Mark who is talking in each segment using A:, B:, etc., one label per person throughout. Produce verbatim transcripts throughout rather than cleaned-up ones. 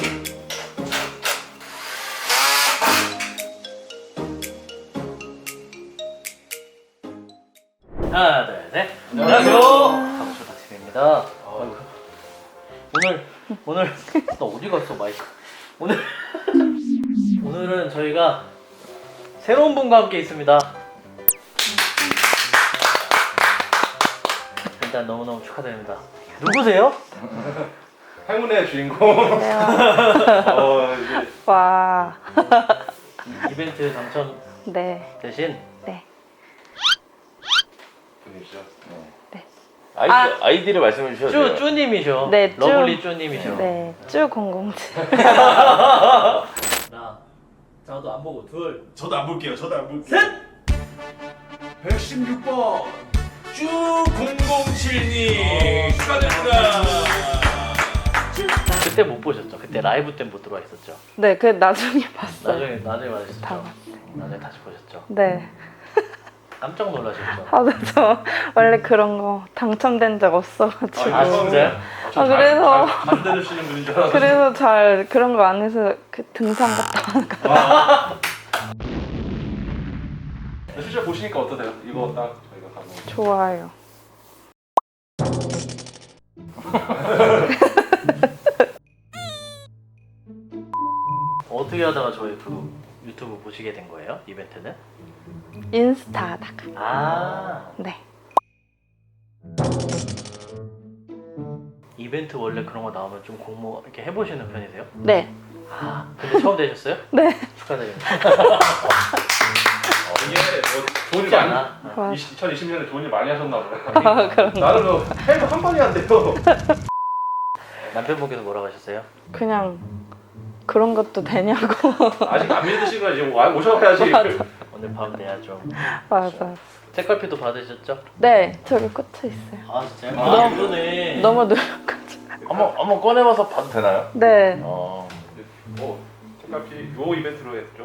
A: 하나, 둘, 셋. 안녕하세요. 가보쇼 닥치입니다. 오늘 오늘 나 어디 갔어 마이크? 오늘 오늘은 저희가 새로운 분과 함께 있습니다. 일단 너무너무 축하드립니다. 누구세요?
B: 행운의 주인공. 어, 이제
C: 와.
A: 이벤트 당첨
C: 네.
A: 대신
C: 네.
B: 분이시죠?
C: 네.
D: 아이디,
C: 아.
D: 아이디를 말씀해 주셔도 돼요.
A: 쭈 쭈님이죠.
C: 네, 쭈.
A: 러블리 쭈님이죠.
C: 네. 쭈 공공칠.
A: 하나, 저도 안 보고 둘.
B: 저도 안 볼게요. 저도 안 볼게요. 셋. 백십육 번 쭈 공공칠님 축하드립니다.
A: 그때 못 보셨죠? 그때 라이브 때 못 들어와 있었죠?
C: 네, 그 나중에 봤어요.
A: 나중에 나중에 맞으셨죠?
C: 다 봤어요.
A: 나중에 다시 보셨죠?
C: 네.
A: 깜짝 놀라셨죠?
C: 아, 네, 저 원래 그런 거 당첨된 적 없어가지고.
A: 아, 진짜요?
C: 아, 그래서
B: 안 들으시는 분인 줄 알았어요.
C: 그래서 잘 그런 거 안 해서 그 등산 갔다 오는 거.
B: 실제 보시니까 어떠세요? 이거 딱 저희가 가고.
C: 좋아요.
A: 어떻게 하다가 저희 그 유튜브 보시게 된 거예요? 이벤트는?
C: 인스타 하다가.
A: 아
C: 네.
A: 이벤트 원래 그런 거 나오면 좀 공모 이렇게 해보시는 편이세요?
C: 네.
A: 아 근데 처음 되셨어요?
C: 네.
A: 축하드립니다.
B: 어, 이게 뭐 돈이
A: 쉽지
B: 많이
A: 않아.
C: 와.
B: 이천이십 년에 돈이 많이 하셨나 보네.
C: 아, 그런 거.
B: 나는 뭐 해도 한 번이 안 돼요.
A: 남편분께서 뭐라고 하셨어요?
C: 그냥 그런 것도 되냐고.
B: 아직 안 믿으시고 이제 와- 오셔야지.
A: 오늘 밤 내야 좀
C: 맞아.
A: 책갈피도 받으셨죠?
C: 네, 저기 꽂혀 있어요.
A: 아 진짜요?
B: 아,
A: 아 그러네.
C: 너무 노력하죠.
D: 한번 한번 꺼내봐서 봐도 되나요?
C: 네.
D: 어.
B: 뭐 책갈피 요 이벤트로 했죠.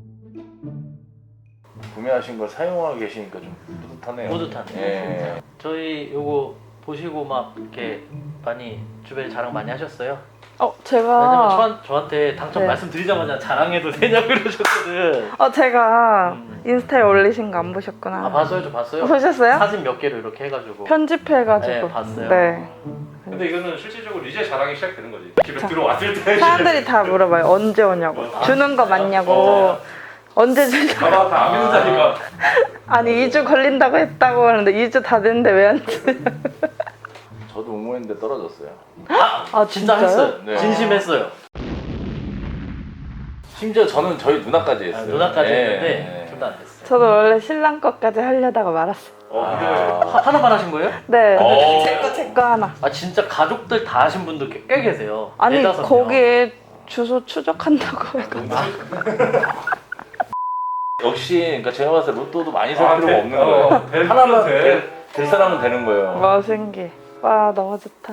D: 구매하신 걸 사용하고 계시니까 좀 뿌듯하네요.
A: 뿌듯하네요.
D: 예.
A: 저희 요거 보시고 막 이렇게 많이 주변에 자랑 많이 하셨어요?
C: 어,
A: 왜냐면
C: 제가
A: 저한, 저한테 당첨
C: 네.
A: 말씀드리자마자 자랑해도 되냐고 그러셨거든.
C: 어, 제가
A: 음.
C: 인스타에 올리신 거 안 보셨구나.
A: 아 봤어요, 저 봤어요.
C: 보셨어요?
A: 사진 몇 개로 이렇게 해가지고.
C: 편집해가지고.
A: 네, 봤어요.
C: 네.
B: 근데 이거는 실질적으로 이제 자랑이 시작되는 거지. 집에
C: 자.
B: 들어왔을 때.
C: 사람들이 다 물어봐요. 언제 오냐고.
B: 아,
C: 주는 거 맞냐고.
B: 어.
C: 언제 주냐고.
B: 봐봐 다 안 믿는다니까.
C: 아니 이 주 걸린다고 했다고 하는데 이 주 다 됐는데 왜 안 주냐고.
D: 저도 응모했는데 떨어졌어요.
C: 아,
A: 진짜
C: 진짜요?
A: 했어요.
D: 네.
A: 진심했어요.
D: 심지어 저는 저희 누나까지
A: 아,
D: 했어요.
A: 누나까지
D: 예,
A: 했는데
D: 예.
A: 둘 다 안 됐어요.
C: 저도 원래 신랑 거까지 하려다가 말았어요.
B: 어 근데
A: 하, 하나만 하신 거예요?
C: 네.
D: 어.
C: 제거 제 거 하나.
A: 아 진짜 가족들 다 하신 분들 꽤, 꽤 계세요.
C: 아니
A: 네다섯 명.
C: 거기에 주소 추적한다고 해가지고.
D: 역시 그러니까 제가 봤을 때 로또도 많이 살
B: 아,
D: 필요가
B: 돼.
D: 없는
B: 어,
D: 거예요.
B: 될
D: 하나만
B: 돼.
D: 될, 될 사람은 되는 거예요.
C: 와 신기. 와 너무 좋다.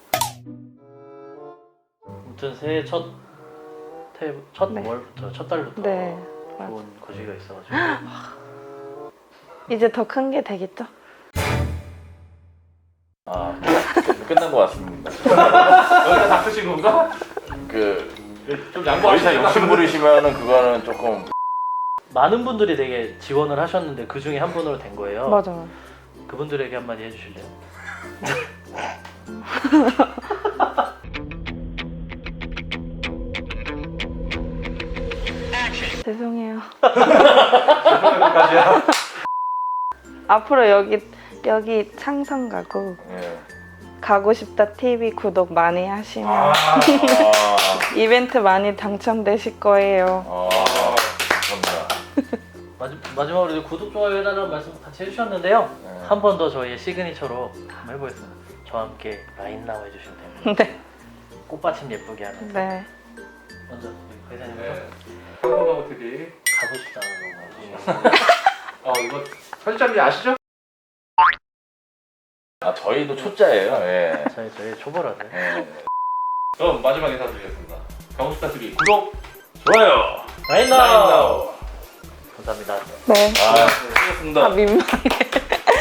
A: 아무튼 새해 첫 태, 첫
C: 네.
A: 월부터 첫 달부터
C: 네.
A: 좋은 거시기가 있어가지고
C: 이제 더 큰 게 되겠죠?
D: 아 끝- 끝난 것 같습니다.
B: 여기가 다 쓰신 건가?
D: 그
B: 좀
D: 더 이상
B: 양보하시니까.
D: 욕심 부리시면은 그거는 조금
A: 많은 분들이 되게 지원을 하셨는데 그 중에 한 분으로 된 거예요.
C: 맞아.
A: 그분들에게 한마디 해주실래요?
C: 죄송해요.
B: 여기까지야.
C: 앞으로 여기 여기 창성 가고
D: 예.
C: 가고 싶다 티비 구독 많이 하시면
B: 아,
D: 아,
C: 이벤트 많이 당첨되실 거예요.
D: 아, 감사합니다.
A: 마지, 마지막으로 이제 구독, 좋아요 해달라는 말씀 같이 해주셨는데요.
D: 네.
A: 한 번 더 저희의 시그니처로 한번 해보겠습니다. 저와 함께 라인 나와 해주시면 됩니다.
C: 네.
A: 꽃받침 예쁘게 하는.
C: 네.
A: 먼저 회사님부터
B: 네. 한국하고 티비.
A: 가고 싶다는 거.
B: 어 이거 편집자님 아시죠?
D: 아 저희도 초짜예요. 예.
A: 저희 저희 초보라서.
D: 예.
B: 그럼 마지막 인사드리겠습니다. 가고싶다 티비 구독, 좋아요,
A: 라인
B: 라인
A: 나와.
B: 나우.
A: 감사합니다.
C: 네.
D: 아,
B: 수고하셨습니다.
C: 아 민망해.